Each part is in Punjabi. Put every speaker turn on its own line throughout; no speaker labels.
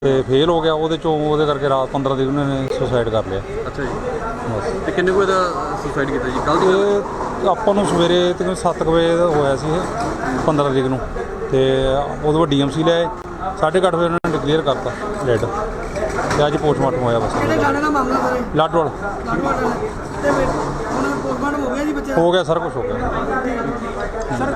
ਤੇ ਫੇਲ ਹੋ ਗਿਆ ਉਹਦੇ ਕਰਕੇ ਰਾਤ 15 ਤਰੀਕ ਨੂੰ ਇਹਨੇ ਸੁਸਾਈਡ ਕਰ ਲਿਆ।
ਅੱਛਾ ਜੀ। ਤੇ ਕਿੰਨੇ ਕੋਈ ਦਾ ਸੁਸਾਈਡ ਕੀਤਾ ਜੀ ਕੱਲ ਦੀ?
ਇਹ ਆਪਾਂ ਨੂੰ ਸਵੇਰੇ ਤਕਰੀਬਨ 7 ਵਜੇ ਹੋਇਆ ਸੀ ਇਹ 15 ਤਰੀਕ ਨੂੰ, ਤੇ ਉਦੋਂ ਬਾਅਦ ਡੀਐਮਸੀ ਲਿਆਏ 8:30 ਵਜੇ ਉਹਨਾਂ ਨੇ ਡਿਕਲੇਅਰ ਕਰਤਾ ਡੈਡ, ਤੇ ਅੱਜ ਪੋਸਟਮਾਰਟਮ ਹੋਇਆ। ਬਸ
ਕਿਹੜੇ ਗਾਣੇ ਦਾ ਮਾਮਲਾ ਸਰ?
ਲਾਡਵਾਲ
ਤੇ ਫਿਰ ਉਹਨਾਂ ਪੋਸਟਮਾਰਟਮ ਹੋ ਗਿਆ ਜੀ ਬੱਚੇ ਦਾ?
ਹੋ ਗਿਆ, ਸਾਰਾ ਕੁਝ ਹੋ ਗਿਆ।
ਸਰ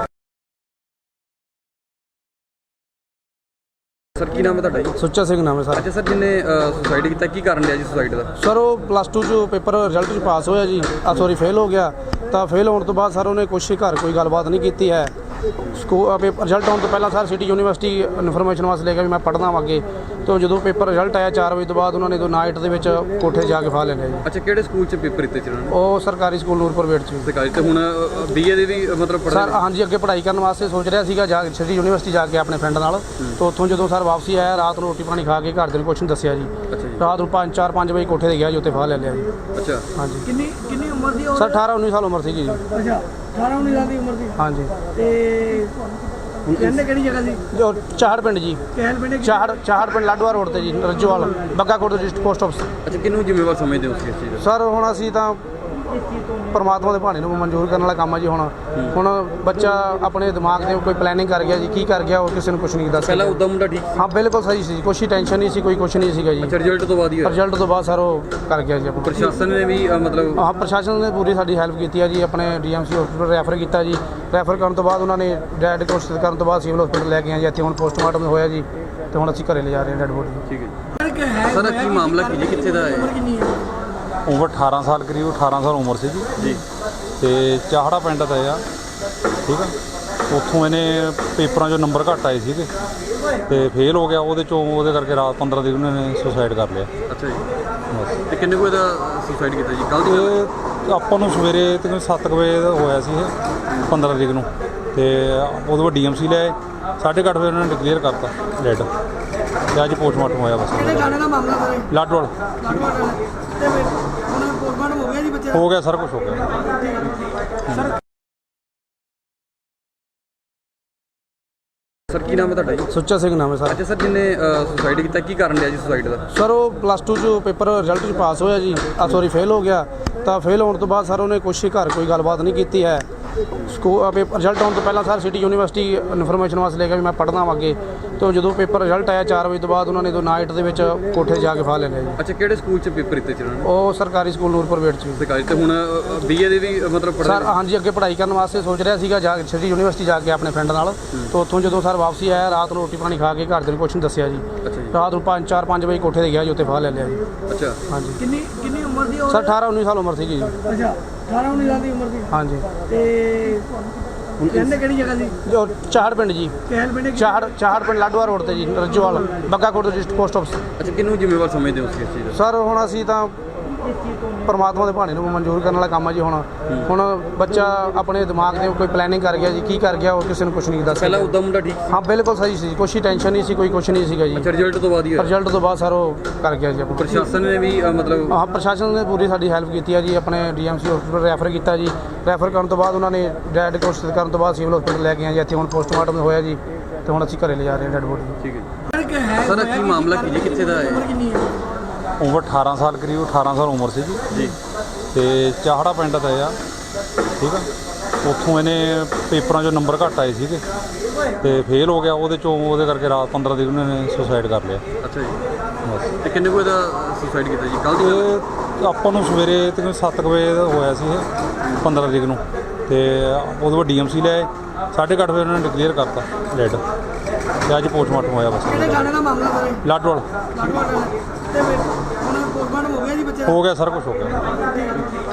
ਸਰ ਕੀ ਨਾਮ ਹੈ ਤੁਹਾਡਾ ਜੀ?
ਸੁੱਚਾ ਸਿੰਘ ਨਾਮ ਹੈ ਸਰ।
ਅੱਛਾ ਸਰ, ਜਿਹਨੇ ਸੁਸਾਈਡ ਕੀਤਾ ਕੀ ਕਾਰਨ ਲਿਆ ਜੀ ਸੁਸਾਈਡ ਦਾ?
ਸਰ ਉਹ +2 ਚ ਪੇਪਰ ਰਿਜ਼ਲਟ 'ਚ ਪਾਸ ਹੋਇਆ ਜੀ, ਫੇਲ ਹੋ ਗਿਆ। ਤਾਂ ਫੇਲ ਹੋਣ ਤੋਂ ਬਾਅਦ ਸਰ ਉਹਨੇ ਘਰ ਕੋਈ ਗੱਲਬਾਤ ਨਹੀਂ ਕੀਤੀ ਹੈ। ਪੇਪਰ ਰਿਜ਼ਲਟ ਆਉਣ ਤੋਂ ਪਹਿਲਾਂ ਸਰ ਸਿਟੀ ਯੂਨੀਵਰਸਿਟੀ ਇਨਫੋਰਮੇਸ਼ਨ ਵਾਸਤੇ ਲੈ ਕੇ ਵੀ ਮੈਂ ਪੜ੍ਹਨਾ ਵਾ ਅੱਗੇ। ਤੇ ਜਦੋਂ ਪੇਪਰ ਰਿਜ਼ਲਟ ਆਇਆ 4 ਵਜੇ ਤੋਂ ਬਾਅਦ ਉਹਨਾਂ ਨੇ ਨਾਈਟ ਦੇ ਵਿੱਚ ਕੋਠੇ ਜਾ ਕੇ ਫਾਹ ਲੈ ਲਿਆ ਜੀ।
ਅੱਛਾ, ਕਿਹੜੇ ਸਕੂਲ 'ਚ ਪੇਪਰ ਦਿੱਤੇ ਸੀ ਉਹਨਾਂ ਨੇ?
ਉਹ ਸਰਕਾਰੀ ਸਕੂਲ ਨੂਰਪੁਰ ਵੇਟ 'ਚ।
ਸਰਕਾਰੀ। ਤੇ ਹੁਣ ਬੀਏ ਦੇ ਵੀ ਮਤਲਬ
ਸਰ ਹਾਂਜੀ, ਅੱਗੇ ਪੜ੍ਹਾਈ ਕਰਨ ਵਾਸਤੇ ਸੋਚ ਰਿਹਾ ਸੀਗਾ ਸਿਟੀ ਯੂਨੀਵਰਸਿਟੀ ਜਾ ਕੇ ਆਪਣੇ ਫਰੈਂਡ ਨਾਲ। ਤੋਂ ਉੱਥੋਂ ਜਦੋਂ ਸਰ ਵਾਪਸੀ ਆਇਆ ਰਾਤ ਨੂੰ ਰੋਟੀ ਪਾਣੀ ਖਾ ਕੇ ਘਰਦਿਆਂ ਨੂੰ ਕੁਛ ਨਹੀਂ ਦੱਸਿਆ ਜੀ।
ਅੱਛਾ ਜੀ।
ਰਾਤ ਨੂੰ 4-5 ਵਜੇ ਕੋਠੇ ਤੇ ਗਿਆ ਜੀ, ਉੱਥੇ ਫਾਹ ਲੈ ਲਿਆ ਜੀ।
ਅੱਛਾ
ਹਾਂਜੀ।
ਕਿੰਨੀ ਉਮਰ ਦੀ ਉਹ?
ਸਰ 18-19 ਸਾਲ ਉਮਰ ਸੀਗੀ ਜੀ।
ਅੱਛਾ, 18-19 ਸਾਲ ਦੀ ਉਮਰ ਦੀ।
ਹਾਂਜੀ।
ਤੇ ਕਹਿੰਦੇ ਕਿਹੜੀ ਜਗ੍ਹਾ ਸੀ?
ਜੋ ਚਾਹੜ ਪਿੰਡ ਜੀ,
ਕਹਿਲ ਪਿੰਡ?
ਚਾਹੜ ਪਿੰਡ ਲਾਡਵਾ ਰੋਡ ਤੇ ਜੀ, Rajjowal Baggakot district post office.
ਅੱਛਾ, ਕਿਹਨੂੰ ਜ਼ਿੰਮੇਵਾਰ ਸਮਝਦੇ ਹੋ ਤੁਸੀਂ ਇਸ ਚੀਜ਼ ਦਾ?
ਸਰ ਹੁਣ ਅਸੀਂ ਤਾਂ ਪਰਮਾਤਮਾ ਦੇ ਭਾਣੇ ਨੂੰ ਮਨਜ਼ੂਰ ਕਰਨ ਵਾਲਾ ਕੰਮ ਆ ਜੀ। ਹੁਣ ਬੱਚਾ ਆਪਣੇ ਦਿਮਾਗ ਦੇ ਕੋਈ ਪਲੈਨਿੰਗ ਕਰ ਗਿਆ ਜੀ, ਕੀ ਕਰ ਗਿਆ ਉਹ ਕਿਸੇ ਨੂੰ ਕੁਝ ਨਹੀਂ ਦੱਸ।
ਪਹਿਲਾਂ ਉਦਾਂ ਮੁੰਡਾ ਠੀਕ?
ਹਾਂ ਬਿਲਕੁਲ ਸਹੀ ਸੀ, ਕੋਈ ਟੈਨਸ਼ਨ ਨਹੀਂ ਸੀ, ਕੋਈ ਕੁਝ ਨਹੀਂ ਸੀਗਾ ਜੀ।
ਅੱਛਾ, ਰਿਜ਼ਲਟ ਤੋਂ ਬਾਅਦ ਹੀ ਹੋਇਆ?
ਰਿਜ਼ਲਟ ਤੋਂ ਬਾਅਦ ਸਰ ਉਹ ਕਰ ਗਿਆ ਜੀ।
ਪ੍ਰਸ਼ਾਸਨ ਨੇ ਵੀ ਮਤਲਬ?
ਹਾਂ, ਪ੍ਰਸ਼ਾਸਨ ਨੇ ਪੂਰੀ ਸਾਡੀ ਹੈਲਪ ਕੀਤੀ ਹੈ ਜੀ। ਆਪਣੇ ਡੀਐਮਸੀ ਹਸਪੀਟਲ ਰੈਫਰ ਕੀਤਾ ਜੀ। ਰੈਫਰ ਕਰਨ ਤੋਂ ਬਾਅਦ ਉਹਨਾਂ ਨੇ ਡੈਡ ਕੋਸ਼ਿਸ਼ ਕਰਨ ਤੋਂ ਬਾਅਦ ਸਿਵਲ ਹਸਪੀਟਲ ਲੈ ਕੇ ਆਏ ਜੀ। ਇੱਥੇ ਹੁਣ ਪੋਸਟਮਾਰਟਮ ਹੋਇਆ ਜੀ, ਤੇ ਹੁਣ ਅਸੀਂ ਘਰੇ ਲਿਜਾ ਰਹੇ ਹਾਂ ਡੈਡ ਬੋਡੀ।
ਠੀਕ ਹੈ ਜੀ। ਸਰ ਕੀ ਮਾਮਲਾ ਕੀ ਜੀ, ਕਿੱਥੇ ਦਾ ਹੈ?
ਉਮਰ 18 ਸਾਲ, ਕਰੀਬ 18 ਸਾਲ ਉਮਰ ਸੀ ਜੀ। ਤੇ ਚਾਹੜਾ ਪਿੰਡ ਦਾ ਆ, ਠੀਕ ਆ। ਉੱਥੋਂ ਇਹਨੇ ਪੇਪਰਾਂ 'ਚੋਂ ਨੰਬਰ ਘੱਟ ਆਏ ਸੀਗੇ ਤੇ ਫੇਲ ਹੋ ਗਿਆ ਉਹਦੇ ਕਰਕੇ ਰਾਤ 15 ਤਰੀਕ ਨੂੰ ਇਹਨੇ ਸੁਸਾਈਡ ਕਰ ਲਿਆ।
ਅੱਛਾ ਜੀ। ਤੇ ਕਿੰਨੇ ਕੋਈ ਦਾ ਸੁਸਾਈਡ ਕੀਤਾ ਜੀ ਕੱਲ ਦੀ?
ਇਹ ਆਪਾਂ ਨੂੰ ਸਵੇਰੇ ਤਕਰੀਬਨ 7 ਵਜੇ ਹੋਇਆ ਸੀ ਇਹ 15 ਤਰੀਕ ਨੂੰ, ਤੇ ਉਦੋਂ ਬਾਅਦ ਡੀਐਮਸੀ ਲਿਆਏ 8:30 ਵਜੇ ਉਹਨਾਂ ਨੇ ਡਿਕਲੇਅਰ ਕਰਤਾ ਡੈਡ, ਤੇ ਅੱਜ ਪੋਸਟਮਾਰਟਮ ਹੋਇਆ। ਬਸ
ਕਿਹੜੇ ਗਾਣੇ ਦਾ ਮਾਮਲਾ ਸਰ?
ਲਾਡਵਾਲ
ਤੇ ਫਿਰ ਉਹਨਾਂ ਪੋਸਟਮਾਰਟਮ ਹੋ ਗਿਆ ਜੀ ਬੱਚੇ ਦਾ?
ਹੋ ਗਿਆ, ਸਾਰਾ ਕੁਝ ਹੋ ਗਿਆ।
ਸਰ ਕੀ ਨਾਮ ਹੈ ਤੁਹਾਡਾ ਜੀ?
ਸੁੱਚਾ ਸਿੰਘ ਨਾਮ ਹੈ ਸਰ।
ਅੱਛਾ ਸਰ, ਜਿਹਨੇ ਸੁਸਾਈਡ ਕੀਤਾ ਕੀ ਕਾਰਨ ਲਿਆ ਜੀ ਸੁਸਾਈਡ ਦਾ?
ਸਰ ਉਹ +2 ਚ ਪੇਪਰ ਰਿਜ਼ਲਟ 'ਚ ਪਾਸ ਹੋਇਆ ਜੀ, ਫੇਲ ਹੋ ਗਿਆ। ਤਾਂ ਫੇਲ ਹੋਣ ਤੋਂ ਬਾਅਦ ਸਰ ਉਹਨੇ ਘਰ ਕੋਈ ਗੱਲਬਾਤ ਨਹੀਂ ਕੀਤੀ ਹੈ। ਪੇਪਰ ਰਿਜ਼ਲਟ ਆਉਣ ਤੋਂ ਪਹਿਲਾਂ ਸਰ ਸਿਟੀ ਯੂਨੀਵਰਸਿਟੀ ਇਨਫੋਰਮੇਸ਼ਨ ਵਾਸਤੇ ਲੈ ਕੇ ਵੀ ਮੈਂ ਪੜ੍ਹਨਾ ਵਾ ਅੱਗੇ। ਤੇ ਜਦੋਂ ਪੇਪਰ ਰਿਜ਼ਲਟ ਆਇਆ 4 ਵਜੇ ਤੋਂ ਬਾਅਦ ਉਹਨਾਂ ਨੇ ਨਾਈਟ ਦੇ ਵਿੱਚ ਕੋਠੇ ਜਾ ਕੇ ਫਾਹ ਲੈ ਲਿਆ ਜੀ।
ਅੱਛਾ, ਕਿਹੜੇ ਸਕੂਲ 'ਚ ਪੇਪਰ ਦਿੱਤੇ ਸੀ ਉਹਨਾਂ ਨੇ?
ਉਹ ਸਰਕਾਰੀ ਸਕੂਲ ਨੂਰਪੁਰ ਵੇਟ 'ਚ।
ਸਰਕਾਰੀ। ਤੇ ਹੁਣ ਬੀਏ ਦੇ ਵੀ ਮਤਲਬ
ਸਰ ਹਾਂਜੀ, ਅੱਗੇ ਪੜ੍ਹਾਈ ਕਰਨ ਵਾਸਤੇ ਸੋਚ ਰਿਹਾ ਸੀਗਾ ਸਿਟੀ ਯੂਨੀਵਰਸਿਟੀ ਜਾ ਕੇ ਆਪਣੇ ਫਰੈਂਡ ਨਾਲ। ਤੋਂ ਉੱਥੋਂ ਜਦੋਂ ਸਰ ਵਾਪਸੀ ਆਇਆ ਰਾਤ ਨੂੰ ਰੋਟੀ ਪਾਣੀ ਖਾ ਕੇ ਘਰਦਿਆਂ ਨੂੰ ਕੁਛ ਨਹੀਂ ਦੱਸਿਆ ਜੀ।
ਅੱਛਾ ਜੀ।
ਰਾਤ ਨੂੰ 4-5 ਵਜੇ ਕੋਠੇ ਤੇ ਗਿਆ ਜੀ, ਉੱਥੇ ਫਾਹ ਲੈ ਲਿਆ ਜੀ।
ਅੱਛਾ।
ਹਾਂਜੀ।
ਕਿੰਨੀ ਉਮਰ ਦੀ ਉਹ?
ਸਰ 18-19 ਸਾਲ ਉਮਰ ਸੀਗੀ ਜੀ।
ਅੱਛਾ, 18-19 ਸਾਲ ਦੀ ਉਮਰ ਦੀ।
ਹਾਂਜੀ।
ਤੇ ਕਹਿੰਦੇ ਕਿਹੜੀ ਜਗ੍ਹਾ ਸੀ?
ਜੋ ਚਾਹੜ ਪਿੰਡ ਜੀ,
ਕਹਿਲ ਪਿੰਡ?
ਚਾਹੜ ਪਿੰਡ ਲਾਡਵਾ ਰੋਡ ਤੇ ਜੀ, Rajjowal Baggakot district post office.
ਅੱਛਾ, ਕਿਹਨੂੰ ਜ਼ਿੰਮੇਵਾਰ ਸਮਝਦੇ ਹੋ ਤੁਸੀਂ ਇਸ ਚੀਜ਼ ਦਾ?
ਸਰ ਹੁਣ ਅਸੀਂ ਤਾਂ ਪਰਮਾਤਮਾ ਦੇ ਭਾਣੇ ਨੂੰ ਮਨਜ਼ੂਰ ਕਰਨ ਵਾਲਾ ਕੰਮ ਆ ਜੀ। ਹੁਣ ਬੱਚਾ ਆਪਣੇ ਦਿਮਾਗ ਦੇ ਕੋਈ ਪਲੈਨਿੰਗ ਕਰ ਗਿਆ ਜੀ, ਕੀ ਕਰ ਗਿਆ ਉਹ ਕਿਸੇ ਨੂੰ ਕੁਝ ਨਹੀਂ ਦੱਸ।
ਪਹਿਲਾਂ ਉਦਾਂ ਮੁੰਡਾ ਠੀਕ?
ਹਾਂ ਬਿਲਕੁਲ ਸਹੀ ਸੀ, ਕੋਈ ਟੈਨਸ਼ਨ ਨਹੀਂ ਸੀ, ਕੋਈ ਕੁਝ ਨਹੀਂ ਸੀਗਾ ਜੀ।
ਅੱਛਾ, ਰਿਜ਼ਲਟ ਤੋਂ ਬਾਅਦ ਹੀ ਹੋਇਆ?
ਰਿਜ਼ਲਟ ਤੋਂ ਬਾਅਦ ਸਰ ਉਹ ਕਰ ਗਿਆ ਜੀ।
ਪ੍ਰਸ਼ਾਸਨ ਨੇ ਵੀ ਮਤਲਬ?
ਹਾਂ, ਪ੍ਰਸ਼ਾਸਨ ਨੇ ਪੂਰੀ ਸਾਡੀ ਹੈਲਪ ਕੀਤੀ ਹੈ ਜੀ। ਆਪਣੇ ਡੀਐਮਸੀ ਹਸਪੀਟਲ ਰੈਫਰ ਕੀਤਾ ਜੀ। ਰੈਫਰ ਕਰਨ ਤੋਂ ਬਾਅਦ ਉਹਨਾਂ ਨੇ ਡੈਡ ਕੋਸ਼ਿਸ਼ ਕਰਨ ਤੋਂ ਬਾਅਦ ਸਿਵਲ ਹਸਪੀਟਲ ਲੈ ਕੇ ਆਏ ਜੀ। ਇੱਥੇ ਹੁਣ ਪੋਸਟਮਾਰਟਮ ਹੋਇਆ ਜੀ, ਤੇ ਹੁਣ ਅਸੀਂ ਘਰੇ ਲਿਜਾ ਰਹੇ ਹਾਂ ਡੈਡ ਬੋਡੀ।
ਠੀਕ ਹੈ ਜੀ। ਸਰ ਕੀ ਮਾਮਲਾ ਕੀ ਜੀ, ਕਿੱਥੇ ਦਾ ਹੈ?
ਉਮਰ 18 ਸਾਲ, ਕਰੀਬ 18 ਸਾਲ ਉਮਰ ਸੀ ਜੀ। ਤੇ ਚਾਹੜਾ ਪਿੰਡ ਦਾ ਆ, ਠੀਕ ਆ। ਉੱਥੋਂ ਇਹਨੇ ਪੇਪਰਾਂ 'ਚੋਂ ਨੰਬਰ ਘੱਟ ਆਏ ਸੀਗੇ ਤੇ ਫੇਲ ਹੋ ਗਿਆ ਉਹਦੇ ਕਰਕੇ ਰਾਤ 15 ਤਰੀਕ ਨੂੰ ਇਹਨੇ ਸੁਸਾਈਡ ਕਰ ਲਿਆ।
ਅੱਛਾ ਜੀ। ਤੇ ਕਿੰਨੇ ਕੋਈ ਦਾ ਸੁਸਾਈਡ ਕੀਤਾ ਜੀ ਕੱਲ ਦੀ?
ਇਹ ਆਪਾਂ ਨੂੰ ਸਵੇਰੇ ਤਕਰੀਬਨ 7 ਵਜੇ ਹੋਇਆ ਸੀ ਇਹ 15 ਤਰੀਕ ਨੂੰ, ਤੇ ਉਦੋਂ ਬਾਅਦ ਡੀਐਮਸੀ ਲਿਆਏ 8:30 ਵਜੇ ਉਹਨਾਂ ਨੇ ਡਿਕਲੇਅਰ ਕਰਤਾ ਡੈਡ, ਤੇ ਅੱਜ ਪੋਸਟਮਾਰਟਮ ਹੋਇਆ। ਬਸ
ਕਿਹੜੇ ਗਾਣੇ ਦਾ ਮਾਮਲਾ ਸਰ?
ਲਾਡਵਾਲ
ਤੇ ਫਿਰ ਉਹਨਾਂ ਪੋਸਟਮਾਰਟਮ ਹੋ ਗਿਆ ਜੀ ਬੱਚੇ ਦਾ?
ਹੋ ਗਿਆ, ਸਾਰਾ ਕੁਝ ਹੋ ਗਿਆ।